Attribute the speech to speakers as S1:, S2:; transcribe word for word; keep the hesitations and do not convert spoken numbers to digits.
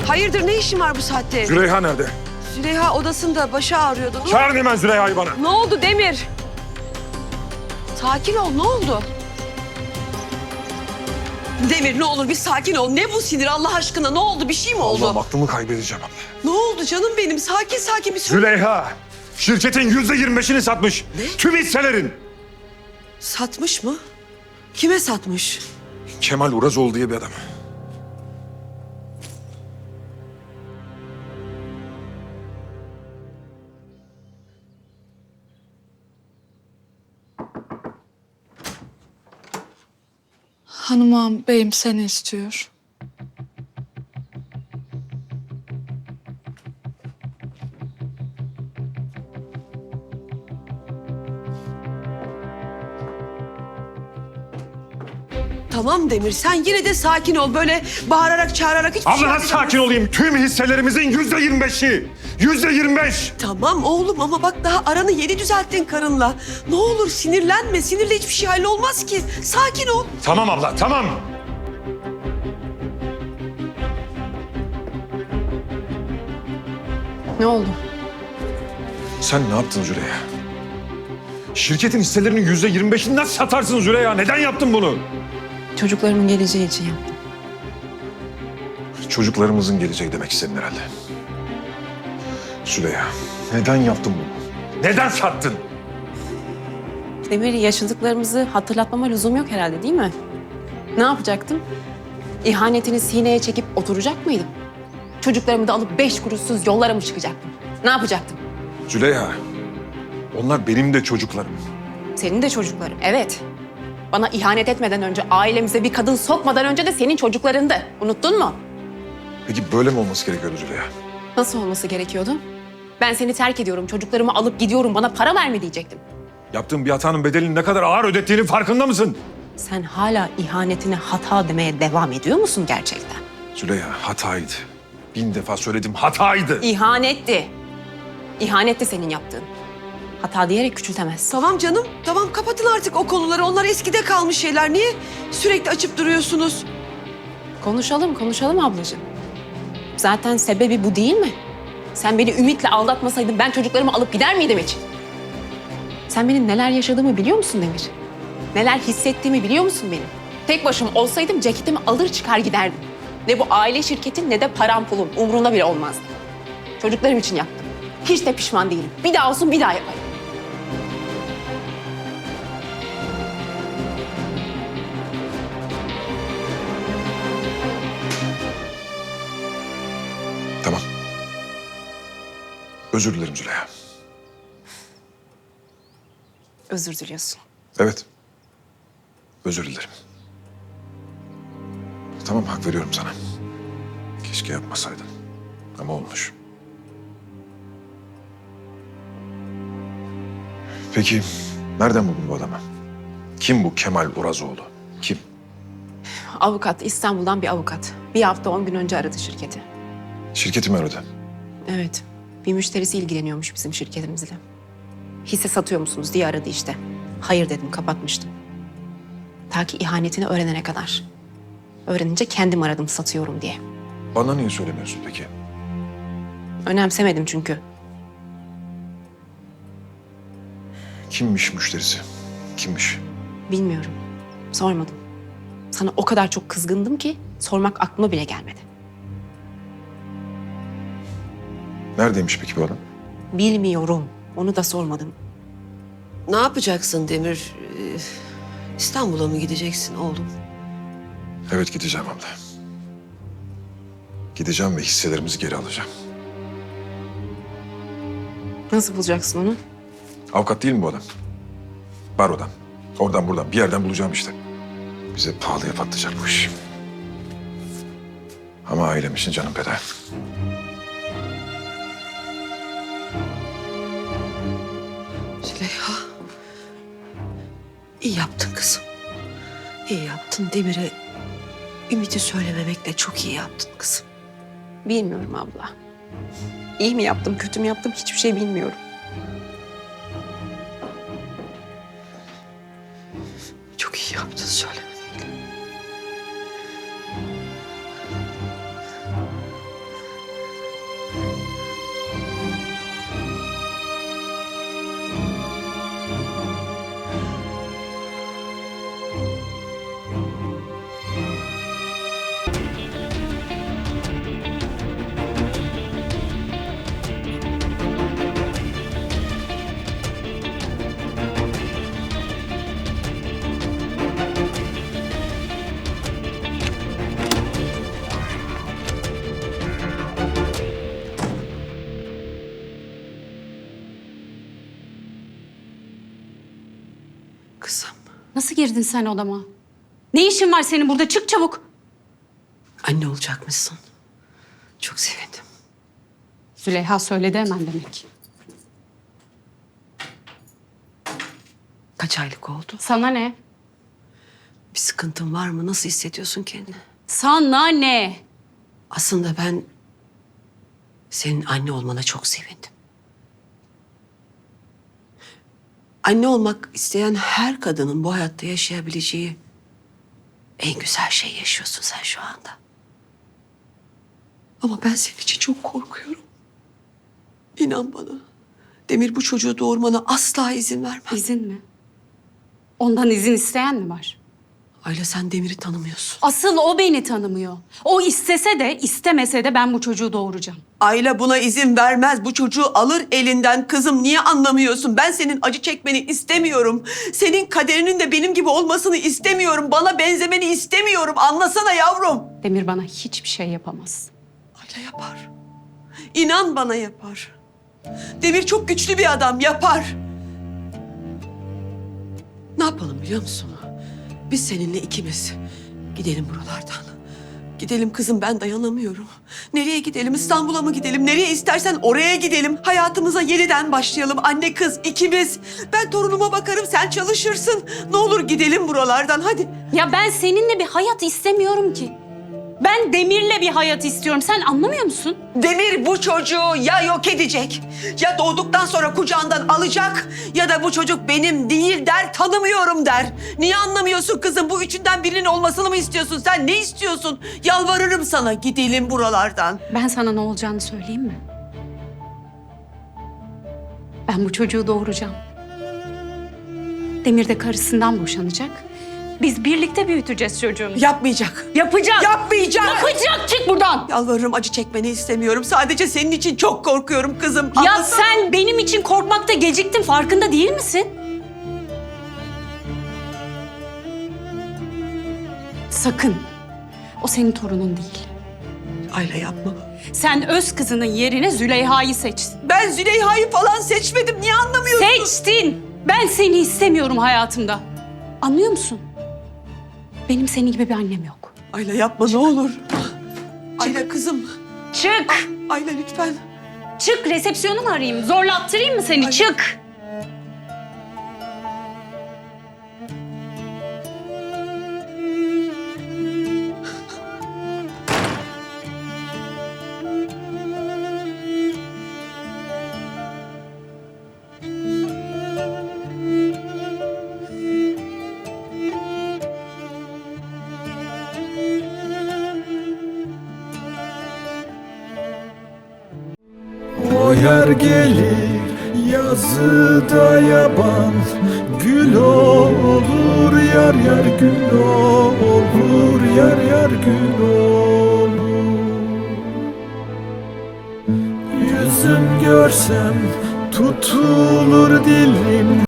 S1: Hayırdır, ne işin var bu saatte?
S2: Züleyha nerede?
S1: Züleyha odasında, başı ağrıyordu. Ne,
S2: Çağırın hemen Züleyha'yı bana.
S1: ne oldu Demir? Sakin ol, ne oldu? Demir ne olur bir sakin ol. Ne bu sinir Allah aşkına? Ne oldu? Bir şey mi oldu?
S2: Allah'ım aklımı kaybedeceğim abla.
S1: Ne oldu canım benim? Sakin sakin bir söyle.
S2: Züleyha şirketin yüzde yirmi beşini satmış.
S1: Ne?
S2: Tüm hisselerin.
S1: Satmış mı? Kime satmış?
S2: Kemal Urazoğlu diye bir adam.
S3: Hanım ağam, beyim seni istiyor.
S1: Tamam Demir, sen yine de sakin ol. Böyle bağırarak çağırarak hiçbir
S2: Abla
S1: şey
S2: nasıl sakin olayım? Tüm hisselerimizin yüzde yirmi beşi. Yüzde yirmi beş.
S1: Tamam oğlum ama bak daha aranı yeni düzelttin karınla. Ne olur sinirlenme. Sinirle hiçbir şey hallolmaz ki. Sakin ol.
S2: Tamam abla tamam.
S1: Ne oldu?
S2: Sen ne yaptın Züleyha? Şirketin hisselerinin yüzde yirmi beşini nasıl satarsın Züleyha? Neden yaptın bunu?
S4: Çocuklarımın geleceği için yaptım.
S2: Çocuklarımızın geleceği demek istedin herhalde. Züleyha, neden yaptın bunu? Neden sattın?
S4: Demir, yaşadıklarımızı hatırlatmama lüzum yok herhalde, değil mi? Ne yapacaktım? İhanetini sineye çekip oturacak mıydım? Çocuklarımı da alıp beş kuruşsuz yollara mı çıkacaktım? Ne yapacaktım?
S2: Züleyha, onlar benim de çocuklarım.
S4: Senin de çocukların, evet. Bana ihanet etmeden önce, ailemize bir kadın sokmadan önce de senin çocuklarındı. Unuttun mu?
S2: Peki böyle mi olması gerekiyordu Züleyha?
S4: Nasıl olması gerekiyordu? Ben seni terk ediyorum, çocuklarımı alıp gidiyorum, bana para verme diyecektim.
S2: Yaptığın bir hatanın bedelini ne kadar ağır ödettiğinin farkında mısın?
S4: Sen hala ihanetine hata demeye devam ediyor musun gerçekten?
S2: Züleyha, hataydı. Bin defa söyledim, hataydı.
S4: İhanetti. İhanetti senin yaptığın. Hata diyerek küçültemezsin.
S1: Tamam canım. Tamam kapatın artık o konuları. Onlar eskide kalmış şeyler. Niye sürekli açıp duruyorsunuz?
S4: Konuşalım, konuşalım ablacığım. Zaten sebebi bu değil mi? Sen beni Ümit'le aldatmasaydın ben çocuklarımı alıp gider miydim hiç? Sen benim neler yaşadığımı biliyor musun Demir? Neler hissettiğimi biliyor musun benim? Tek başıma olsaydım ceketimi alır çıkar giderdim. Ne bu aile şirketin ne de param pulum umurumda bile olmazdı. Çocuklarım için yaptım. Hiç de pişman değilim. Bir daha olsun bir daha yaparım.
S2: Tamam. Özür dilerim Züleyha.
S4: Özür diliyorsun.
S2: Evet. Özür dilerim. Tamam, hak veriyorum sana. Keşke yapmasaydın. Ama olmuş. Peki, nereden buldun bu adamı? Kim bu Kemal Urazoğlu? Kim?
S4: Avukat, İstanbul'dan bir avukat. Bir hafta on gün önce aradı şirketi.
S2: Şirketi mi aradı?
S4: Evet, bir müşterisi ilgileniyormuş bizim şirketimizle. Hisse satıyor musunuz diye aradı işte. Hayır dedim, kapatmıştım. Ta ki ihanetini öğrenene kadar. Öğrenince kendim aradım satıyorum diye.
S2: Bana niye söylemiyorsun peki?
S4: Önemsemedim çünkü.
S2: Kimmiş müşterisi? Kimmiş?
S4: Bilmiyorum, sormadım. Sana o kadar çok kızgındım ki sormak aklıma bile gelmedi.
S2: Neredeymiş peki bu adam?
S4: Bilmiyorum, onu da sormadım.
S1: Ne yapacaksın Demir? Ee, İstanbul'a mı gideceksin oğlum?
S2: Evet, gideceğim abla. Gideceğim ve hisselerimizi geri alacağım.
S4: Nasıl bulacaksın onu?
S2: Avukat değil mi bu adam? Barodan. Oradan buradan bir yerden bulacağım işte. Bize pahalıya patlayacak bu iş. Ama ailem için canım feda.
S1: Züleyha. İyi yaptın kızım. İyi yaptın Demir'e. Ümit'i söylememekle çok iyi yaptın kızım.
S4: Bilmiyorum abla. İyi mi yaptım, kötü mü yaptım hiçbir şey bilmiyorum.
S1: Çok iyi yaptın söylememekle.
S5: Nasıl girdin sen odama? Ne işin var senin burada? Çık çabuk.
S1: Anne olacakmışsın. Çok sevindim.
S5: Züleyha söyledi hemen demek.
S1: Kaç aylık oldu?
S5: Sana ne?
S1: Bir sıkıntın var mı? Nasıl hissediyorsun kendini?
S5: Sana ne?
S1: Aslında ben senin anne olmana çok sevindim. Anne olmak isteyen her kadının bu hayatta yaşayabileceği en güzel şey yaşıyorsun sen şu anda. Ama ben senin için çok korkuyorum. İnan bana. Demir bu çocuğu doğurmana asla izin vermez.
S5: İzin mi? Ondan izin isteyen mi var?
S1: Ayla sen Demir'i tanımıyorsun.
S5: Asıl o beni tanımıyor. O istese de istemese de ben bu çocuğu doğuracağım.
S1: Ayla buna izin vermez. Bu çocuğu alır elinden. Kızım niye anlamıyorsun? Ben senin acı çekmeni istemiyorum. Senin kaderinin de benim gibi olmasını istemiyorum. Bana benzemeni istemiyorum. Anlasana yavrum.
S5: Demir bana hiçbir şey yapamaz.
S1: Ayla yapar. İnan bana yapar. Demir çok güçlü bir adam. Yapar. Ne yapalım biliyor musun? Biz seninle ikimiz gidelim buralardan. Gidelim kızım, ben dayanamıyorum. Nereye gidelim? İstanbul'a mı gidelim? Nereye istersen oraya gidelim. Hayatımıza yeniden başlayalım. Anne kız ikimiz. Ben torunuma bakarım, sen çalışırsın. Ne olur gidelim buralardan hadi.
S5: Ya ben seninle bir hayat istemiyorum ki. Ben Demir'le bir hayat istiyorum. Sen anlamıyor musun?
S1: Demir bu çocuğu ya yok edecek, ya doğduktan sonra kucağından alacak, ya da bu çocuk benim değil der, tanımıyorum der. Niye anlamıyorsun kızım? Bu üçünden birinin olmasını mı istiyorsun? Sen ne istiyorsun? Yalvarırım sana, gidelim buralardan.
S5: Ben sana ne olacağını söyleyeyim mi? Ben bu çocuğu doğuracağım. Demir de karısından boşanacak. Biz birlikte büyüteceğiz çocuğumuzu.
S1: Yapmayacak.
S5: Yapacak.
S1: Yapmayacak.
S5: Yapacak. Çık buradan.
S1: Yalvarırım, acı çekmeni istemiyorum. Sadece senin için çok korkuyorum kızım.
S5: Ya
S1: Anlasana.
S5: sen benim için korkmakta geciktin. Farkında değil misin? Sakın. O senin torunun değil.
S1: Ayla yapma.
S5: Sen öz kızının yerine Züleyha'yı seçtin.
S1: Ben Züleyha'yı falan seçmedim. Niye anlamıyorsun?
S5: Seçtin. Ben seni istemiyorum hayatımda. Anlıyor musun? Benim senin gibi bir annem yok.
S1: Ayla yapma ne olur. Ayla kızım.
S5: Çık.
S1: Ayla lütfen.
S5: Çık. Resepsiyonu mu arayayım? Zorlattırayım mı seni?
S1: Ay.
S5: Çık.
S6: O yer gelir yazıda yaban, gül olur yar yar gül olur yar yar gül olur. Yüzüm görsem tutulur dilim.